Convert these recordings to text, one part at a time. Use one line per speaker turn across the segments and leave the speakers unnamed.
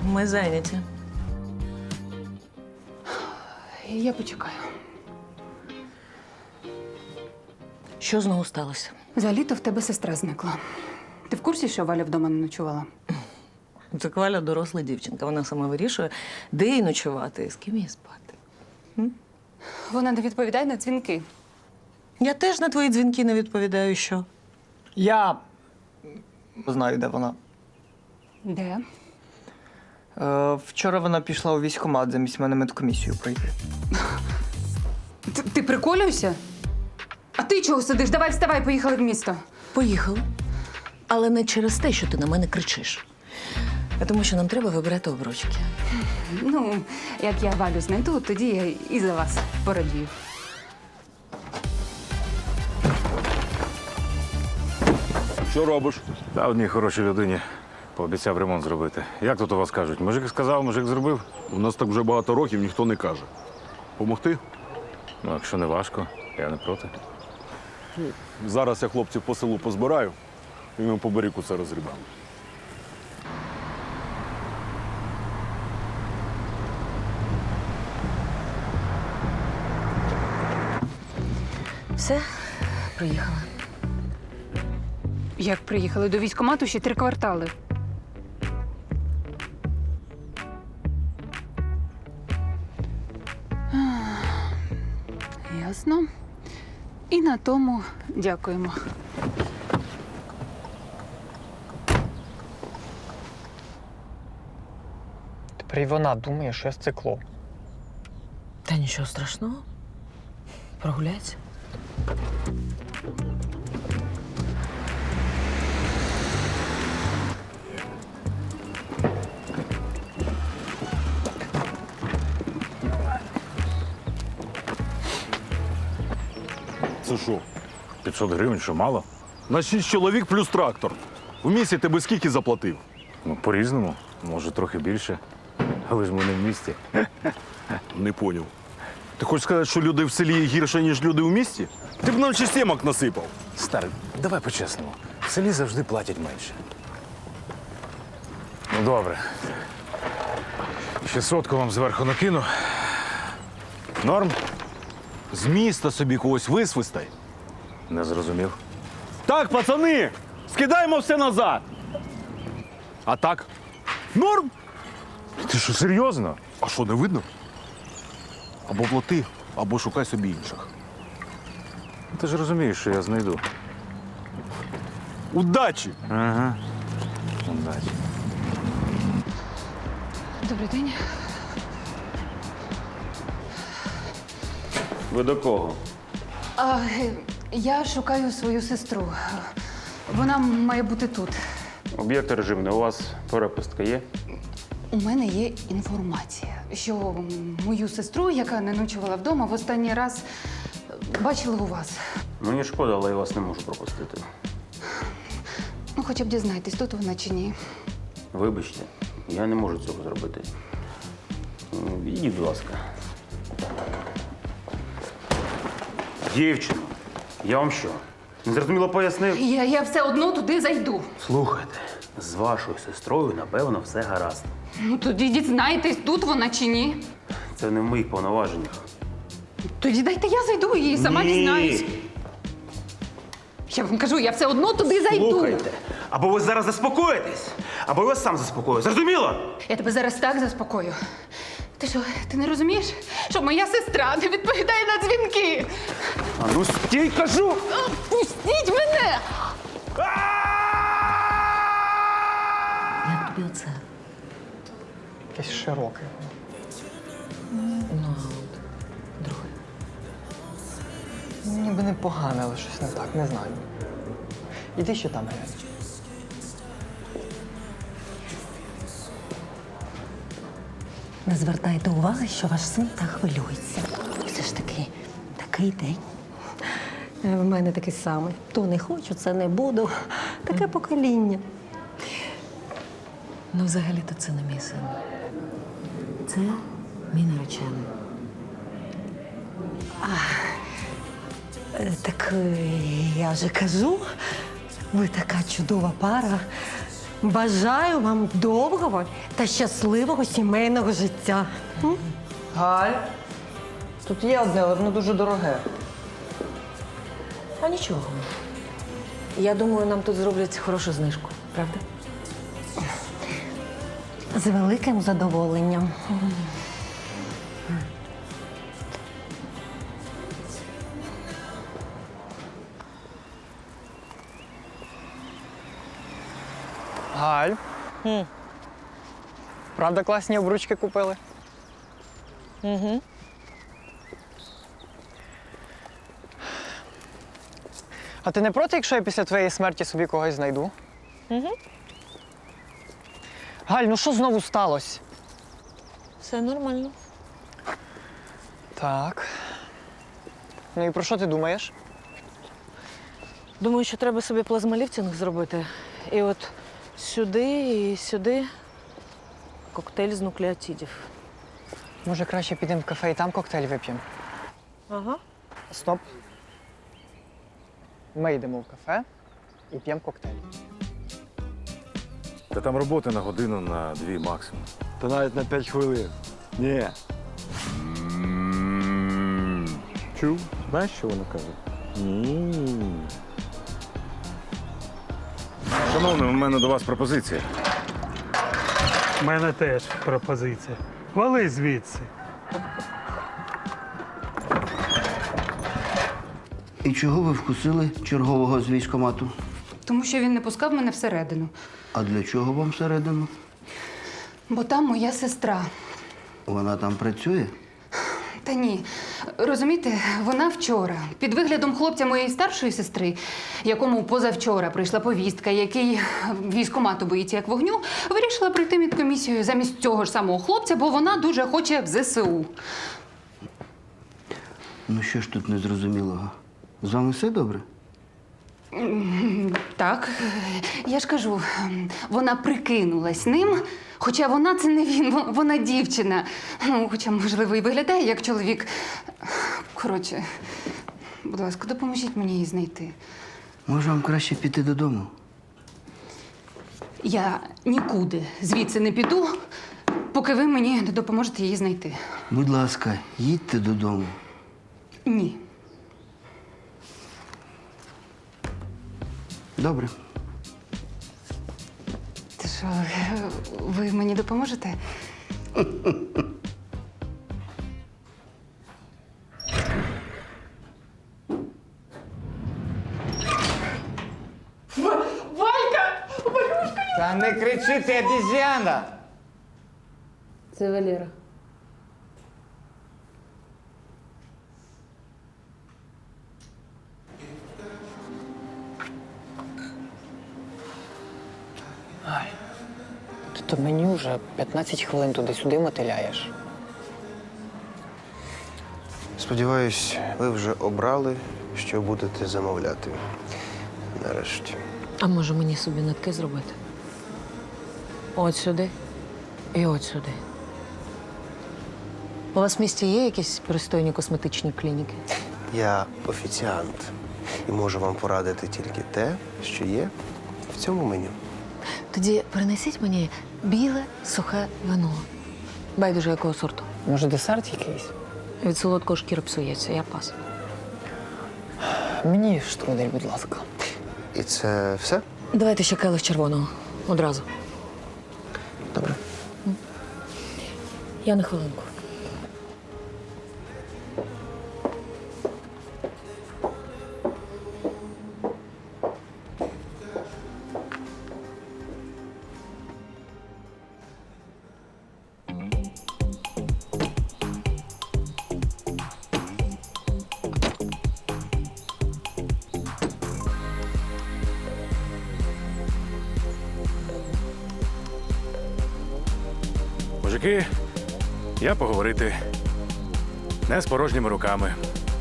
Ми зайняті.
Я почекаю.
Що знову сталося?
За літо в тебе сестра зникла. Ти в курсі, що Валя вдома не ночувала?
Це Валя доросла дівчинка. Вона сама вирішує, де їй ночувати і з ким їй спати.
Вона не відповідає на дзвінки.
Я теж на твої дзвінки не відповідаю, що?
Я знаю, де вона.
Де?
Вчора вона пішла у військкомат замість мене медкомісію пройти.
Ти приколюєшся? А ти чого сидиш? Давай вставай, поїхали в місто.
Поїхали. Але не через те, що ти на мене кричиш. А тому що нам треба вибирати обручки.
Ну, як я Валю знайду, тоді я і за вас порадію.
Що робиш?
Та одній хорошій людині пообіцяв ремонт зробити. Як тут у вас кажуть? Мужик сказав, мужик зробив?
У нас так вже багато років ніхто не каже. Помогти?
Ну, якщо не важко, я не проти.
Зараз я хлопців по селу позбираю і ми по берегу це розрібаємо.
Все, приїхала.
Як приїхали до військкомату, ще 3 квартали. Ясно. І на тому дякуємо.
Тепер і вона думає, що я сцикло.
Та нічого страшного. Прогуляйся.
Це що?
500 гривень, що мало?
На 6 чоловік плюс трактор. В місті тебе скільки заплатив?
Ну, по-різному. Може, трохи більше. Але ж ми не в місті.
Не поняв. Ти хочеш сказати, що люди в селі гірше, ніж люди в місті? Ти б нам ще сімок насипав.
Старий, давай по-чесному. В селі завжди платять менше. Ну, добре. Ще 100 вам зверху накину. Норм?
З міста собі когось висвистай.
Не зрозумів.
Так, пацани, скидаємо все назад. А так? Норм?
Ти що, серйозно?
А що, не видно? Або плати, або шукай собі інших.
Ти ж розумієш, що я знайду.
Удачі!
Ага. Удачі.
Добрий день.
Ви до кого?
Я шукаю свою сестру. Вона має бути тут.
Об'єкт режимний. У вас перепустка є?
У мене є інформація, що мою сестру, яка не ночувала вдома, в останній раз бачили у вас.
Мені шкода, але я вас не можу пропустити.
Ну, хоча б дізнайтесь, тут вона чи ні.
Вибачте, я не можу цього зробити. Ідіть, будь ласка. Дівчино, я вам що? Незрозуміло пояснив?
Я все одно туди зайду.
Слухайте, з вашою сестрою, напевно, все гаразд.
Ну, тоді дізнайтесь, тут вона чи ні.
Це не в моїх повноваженнях.
Тоді дайте я зайду і сама дізнаюсь. Я вам кажу, я все одно туди зайду.
Слухайте, або ви зараз заспокоїтесь, або я вас сам заспокою. Зрозуміло?
Я тебе зараз так заспокою. Ти що, ти не розумієш, що моя сестра не відповідає на дзвінки?
А ну стій, кажу!
Пустіть мене!
Як тобі оце?
Якесь широке.
Ну, а от друге.
Ніби непогане, але щось не так, не знаю. Іди ще там глянь.
Не звертайте уваги, що ваш син так хвилюється. Все ж таки, такий день. В мене такий самий. То не хочу, це не буду. Таке покоління. Ну, взагалі-то це не мій син. Це мій наречений. Так я вже кажу, ви така чудова пара. Бажаю вам довгого та щасливого сімейного життя.
Галь, тут є одне, але воно дуже дороге.
А нічого. Я думаю, нам тут зроблять хорошу знижку, правда? З великим задоволенням.
Галь. Правда, класні обручки купили? А ти не проти, якщо я після твоєї смерті собі когось знайду? Галь, ну що знову сталося?
Все нормально.
Так. Ну і про що ти думаєш?
Думаю, що треба собі плазмоліфтинг зробити. І от сюди і сюди коктейль з нуклеотидів.
Може, краще підемо в кафе і там коктейль вип'ємо?
Ага.
Стоп. Ми йдемо в кафе і п'ємо коктейль.
Та там роботи на годину, на 2 максимум.
Та навіть на 5 хвилин. Ні.
Чув? Знаєш, що вона каже? Шановний, у мене до вас пропозиція.
У мене теж пропозиція. Вали звідси.
І чого ви вкусили чергового з військкомату?
Тому що він не пускав мене всередину.
А для чого вам всередину?
Бо там моя сестра.
Вона там працює?
Та ні. Розумієте, вона вчора, під виглядом хлопця моєї старшої сестри, якому позавчора прийшла повістка, який військкомату боїться як вогню, вирішила пройти медкомісію замість цього ж самого хлопця, бо вона дуже хоче в ЗСУ.
Ну що ж тут незрозумілого? З вами все добре?
Так, я ж кажу, вона прикинулась ним, хоча вона це не він, вона дівчина. Ну, хоча, можливо, і виглядає як чоловік. Коротше, будь ласка, допоможіть мені її знайти.
Може, вам краще піти додому?
Я нікуди звідси не піду, поки ви мені не допоможете її знайти.
Будь ласка, їдьте додому.
Ні.
Добре.
Ти що, ви мені допоможете?
Та не кричи, ти обіз'яна!
Це Валера.
Ти то мені вже 15 хвилин туди-сюди мотиляєш.
Сподіваюсь, ви вже обрали, що будете замовляти. Нарешті.
А може мені собі нитки зробити? От сюди і от сюди. У вас в місті є якісь пристойні косметичні клініки?
Я офіціант і можу вам порадити тільки те, що є в цьому меню.
Тоді принесіть мені біле сухе вино. Байдуже якого сорту.
Може, десерт якийсь?
Від солодкого шкіра псується, я пас.
Мені штрудель, будь ласка.
І це все?
Давайте ще келих червоного. Одразу.
Добре.
Я на хвилинку.
Мужики, я поговорити. Не з порожніми руками.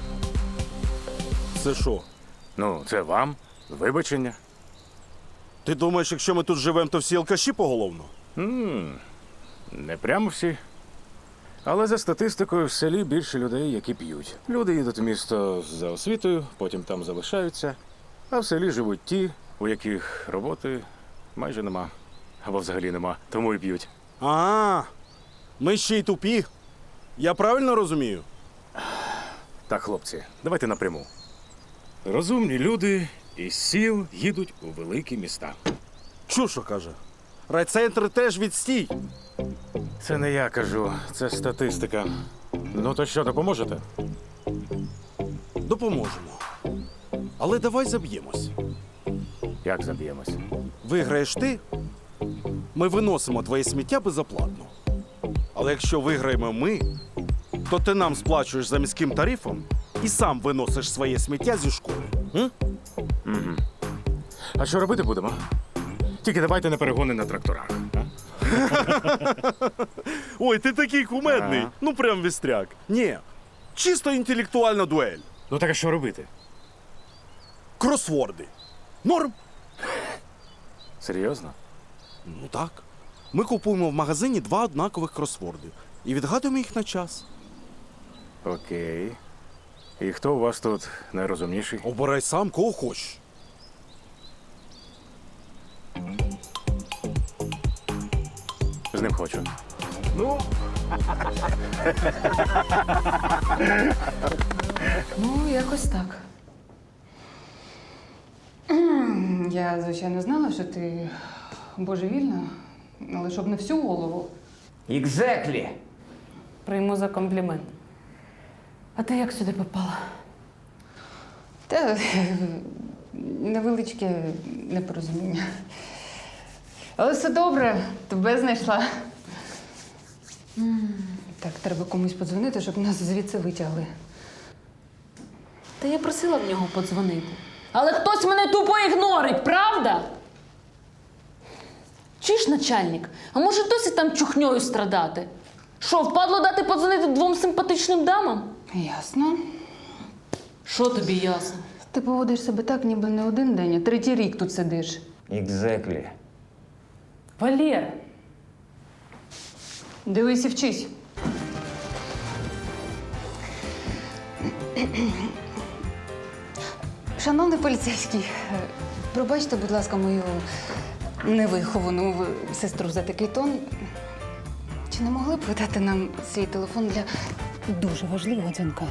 Це що?
Ну, це вам. Вибачення.
Ти думаєш, якщо ми тут живемо, то всі алкаші поголовно?
Не прямо всі. Але за статистикою в селі більше людей, які п'ють. Люди їдуть в місто за освітою, потім там залишаються. А в селі живуть ті, у яких роботи майже нема. або взагалі нема, тому і п'ють.
А, ми ще й тупі. Я правильно розумію?
Так, хлопці, давайте напряму. Розумні люди із сіл їдуть у великі міста.
Чушо каже. Райцентр теж відстій.
Це не я кажу, це статистика. Ну то що, допоможете?
Допоможемо. Але давай заб'ємось.
Як заб'ємось?
Виграєш ти, ми виносимо твоє сміття безоплатно. Але якщо виграємо ми, то ти нам сплачуєш за міським тарифом і сам виносиш своє сміття зі школи. М?
А що робити будемо? Тільки давайте не перегони на тракторах. А?
Ой, ти такий кумедний.
Ага.
Ну прям вістряк. Ні, чисто інтелектуальна дуель.
Ну так а що робити?
Кросворди. Норм?
Серйозно?
Ну так. Ми купуємо в магазині 2 однакових кросворди і відгадуємо їх на час.
Окей. І хто у вас тут найрозумніший?
Обирай сам, кого хочеш.
З ним хочу.
Ну, якось так. Я, звичайно, знала, що ти божевільна, але щоб не всю голову.
Exactly.
Прийму за комплімент. А ти як сюди попала?
Та невеличке непорозуміння. Але все добре, тебе знайшла. Так, треба комусь подзвонити, щоб нас звідси витягли.
Та я просила в нього подзвонити. Але хтось мене тупо ігнорить, правда? Чи ж начальник? А може досі там чухньою страдати? Що, впадло дати подзвонити 2 симпатичним дамам?
Ясно.
Що тобі ясно?
Ти поводиш себе так, ніби не 1 день, а 3-й рік тут сидиш.
Exactly.
Валєр,
Дивись і вчись. Шановний поліцейський, пробачте, будь ласка, мою невиховану сестру за такий тон. Чи не могли б ви дати нам свій телефон для дуже важливого дзвінка?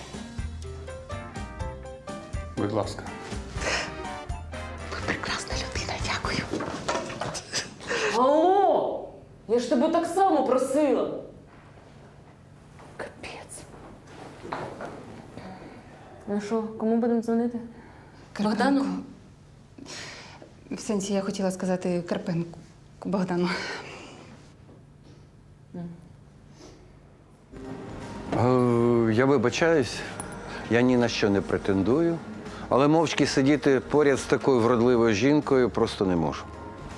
Будь ласка.
Ви прекрасна людина, дякую.
алло! Я ж тебе так само просила. Капець. Ну що, кому будемо дзвонити? Богдану?
В сенсі, я хотіла сказати Карпенку Богдану.
Я вибачаюсь, я ні на що не претендую, але мовчки сидіти поряд з такою вродливою жінкою просто не можу.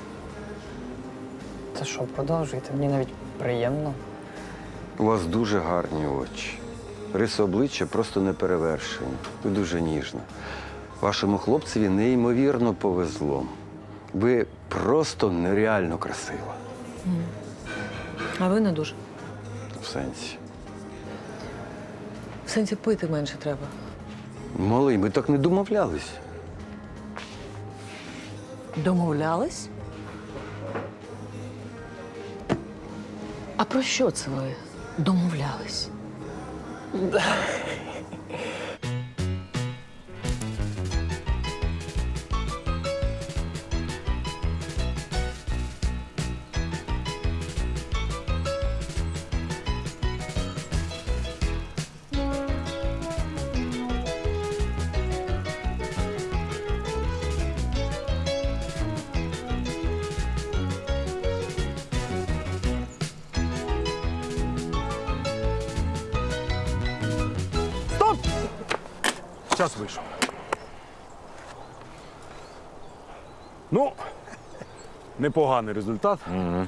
Та що, продовжуйте, мені навіть приємно.
У вас дуже гарні очі. Риси обличчя просто неперевершені. Ви дуже ніжна. Вашому хлопцеві неймовірно повезло. Ви просто нереально красива.
А ви не дуже.
В сенсі.
В сенсі пити менше треба.
Малий, ми так не домовлялись.
Домовлялись? А про що це ви домовлялись?
Час вийшов. Ну, непоганий результат.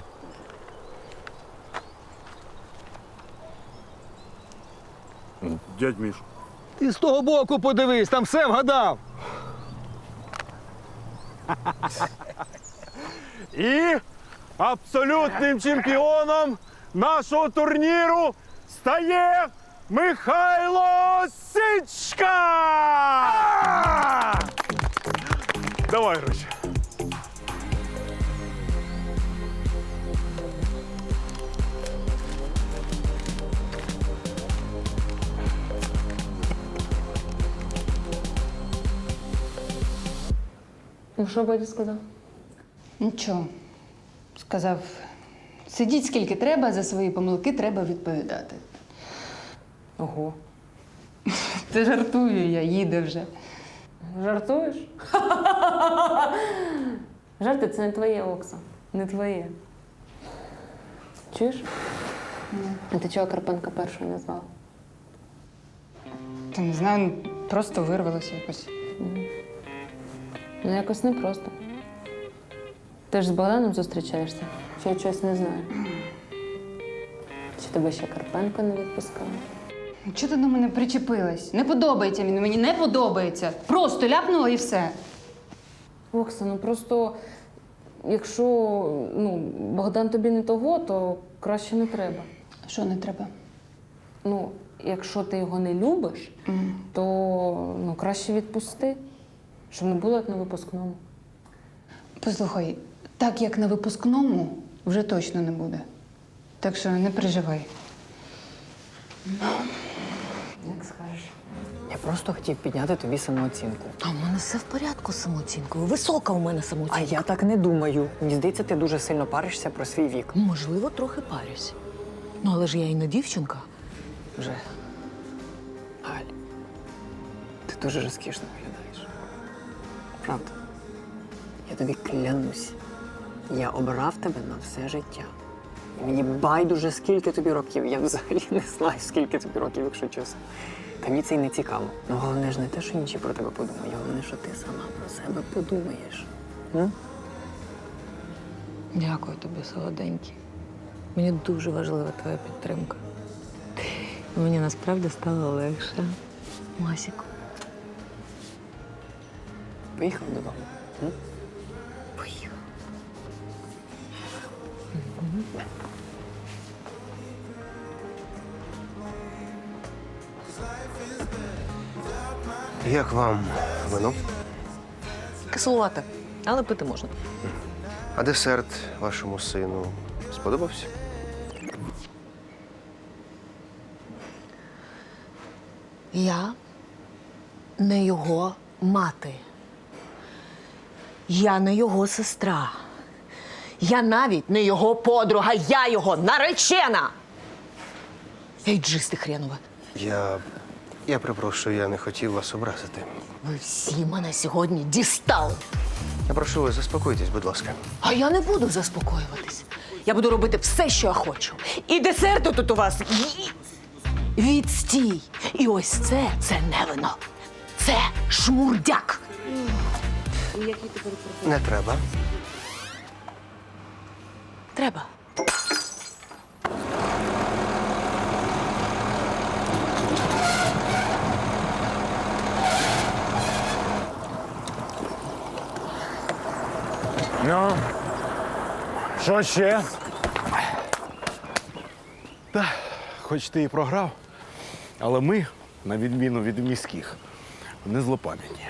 Дядь Міш.
Ти з того боку подивись, там все вгадав.
І абсолютним чемпіоном нашого турніру стає Михайло Сичка! Давай гроші.
Ну, що батя сказав?
Нічого. Сказав, сидіть скільки треба, за свої помилки треба відповідати.
Ого.
Та жартую я, їде вже.
Жартуєш? Жарти це не твоє, Окса. Не твоє. Чуєш? А ти чого Карпенка першою назвав?
Та не знаю, просто вирвалося якось.
Ну, якось непросто. Ти ж з Богданом зустрічаєшся? Чи я чогось не знаю? Чи тебе ще Карпенко не відпускав?
Чого ти до мене причепилась? Не подобається він, мені не подобається. Просто ляпнула і все.
Окса, ну просто якщо Богдан тобі не того, то краще не треба.
Що не треба?
Ну, якщо ти його не любиш, то краще відпусти, щоб не було як на випускному.
Послухай, так як на випускному вже точно не буде. Так що не переживай.
Як скажеш.
Я просто хотів підняти тобі самооцінку.
А в мене все в порядку з самооцінкою. Висока у мене
А
самооцінка.
я так не думаю. Мені здається, ти дуже сильно паришся про свій вік.
Можливо, трохи парюсь. Ну, але ж я і не дівчинка.
Вже. Галь, ти дуже розкішно виглядаєш. Правда. Я тобі клянусь. Я обрав тебе на все життя. І мені байдуже, скільки тобі років. Я взагалі не знаю, скільки тобі років, якщо чесно. Та мені це й не цікаво. Ну, головне ж не те, що інші про тебе подумають. Головне, що ти сама про себе подумаєш.
Дякую тобі, солоденький. Мені дуже важлива твоя підтримка. Мені насправді стало легше. Масіку.
Поїхав додому.
Поїхав.
Як вам вино?
Кислувати, але пити можна.
А десерт вашому сину сподобався?
Я не його мати. Я не його сестра. Я навіть не його подруга, я його наречена! Ейджисти хренове.
Я перепрошую, я не хотів вас образити.
Ви всі мене сьогодні дістали.
Я прошу вас, заспокойтесь, будь ласка.
А я не буду заспокоюватись. Я буду робити все, що я хочу. І десерти тут у вас відстій. І ось це не вино. Це шмурдяк.
Не треба.
Треба.
Ну, що ще?
Хоч ти і програв, але ми, на відміну від міських, не злопам'ятні.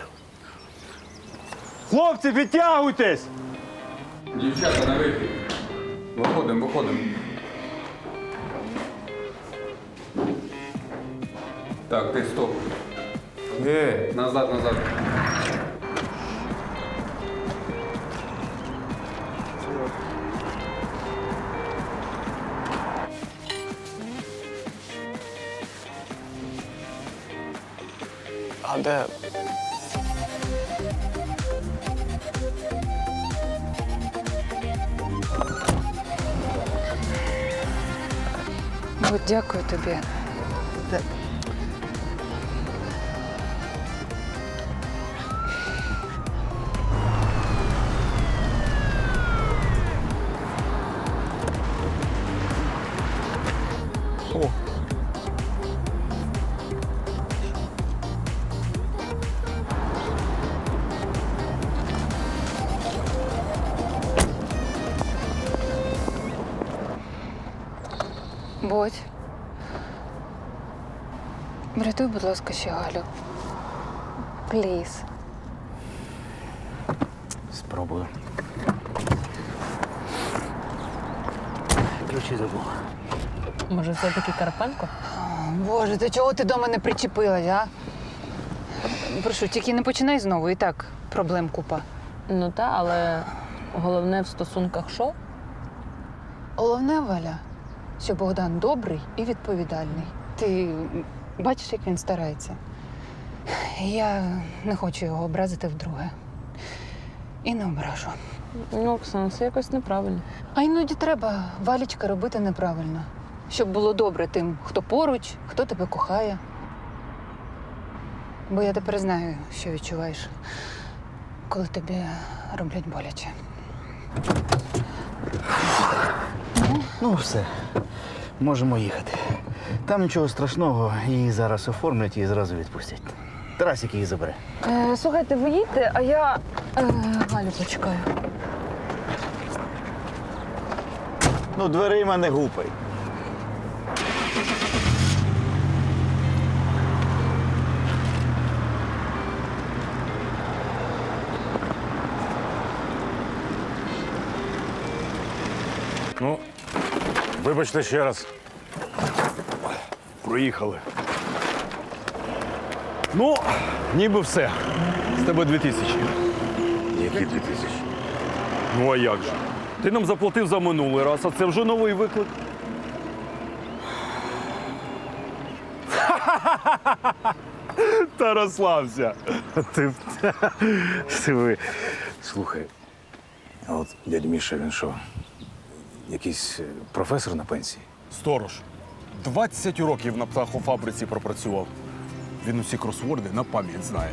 Хлопці, підтягуйтесь!
Дівчата, на вихід. Виходимо. Так, ти стоп. Назад.
А де?
От дякую тобі. Бодь. Врятуй, будь ласка, ще Галю. Пліз.
Спробую.
Ключі забув.
Може, все-таки Карпенко?
Боже, до чого ти до мене причепилась, а? Прошу, тільки не починай знову, і так проблем купа.
Ну та, але головне в стосунках що?
Головне, Валя, що Богдан добрий і відповідальний. Ти бачиш, як він старається. Я не хочу його образити вдруге. І не ображу.
Ну, Оксана, це якось неправильно.
А іноді треба, Валічка, робити неправильно. Щоб було добре тим, хто поруч, хто тебе кохає. Бо я тепер знаю, що відчуваєш, коли тобі роблять боляче.
Ну, все. Можемо їхати. Там нічого страшного, її зараз оформлять і зразу відпустять. Тарасик її забере.
Слухайте, ви їдьте, а я Галю почекаю.
Ну, дверима не гупай.
Ну, вибачте ще раз.
Проїхали. Ну, ніби все. З тебе 2000.
Які 2000?
Ну а як же? Ти нам заплатив за минулий раз, а це вже новий виклик. Та розслабся.
Ви. Слухай, а от дядь Міша, він що? Якийсь професор на пенсії?
Сторож. 20 років на птахофабриці пропрацював. Він усі кросворди на пам'ять знає.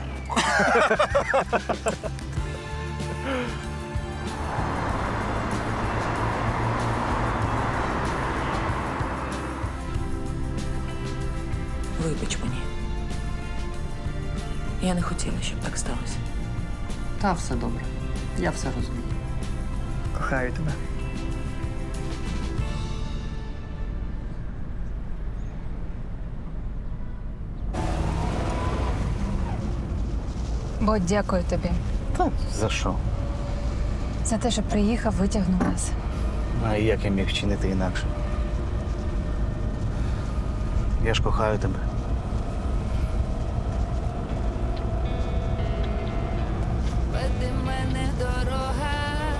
Вибач мені. Я не хотіла, щоб так сталося.
Та все добре. Я все розумію. Кохаю тебе.
Бо дякую тобі
Та за що?
за те, що приїхав, витягнув нас.
А як я міг вчинити інакше? Я ж кохаю тебе.
Веди мене дорога,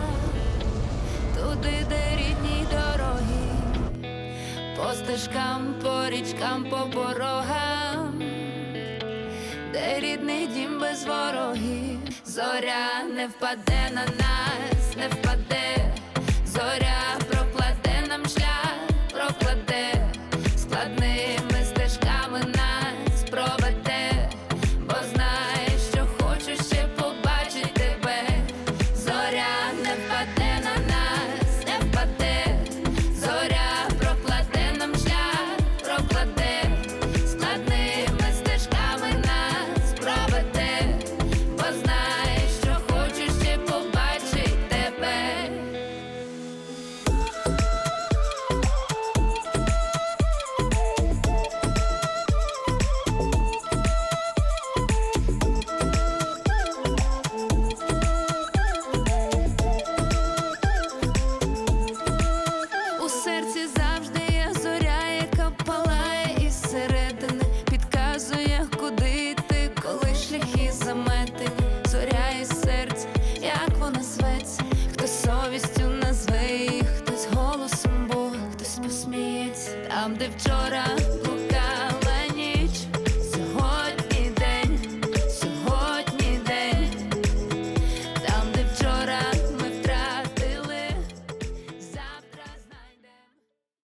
туди, де рідні дороги, по стежкам, по річкам, по порогам, де рідний дім без ворогів. Зоря не впаде на нас, не впаде, зоря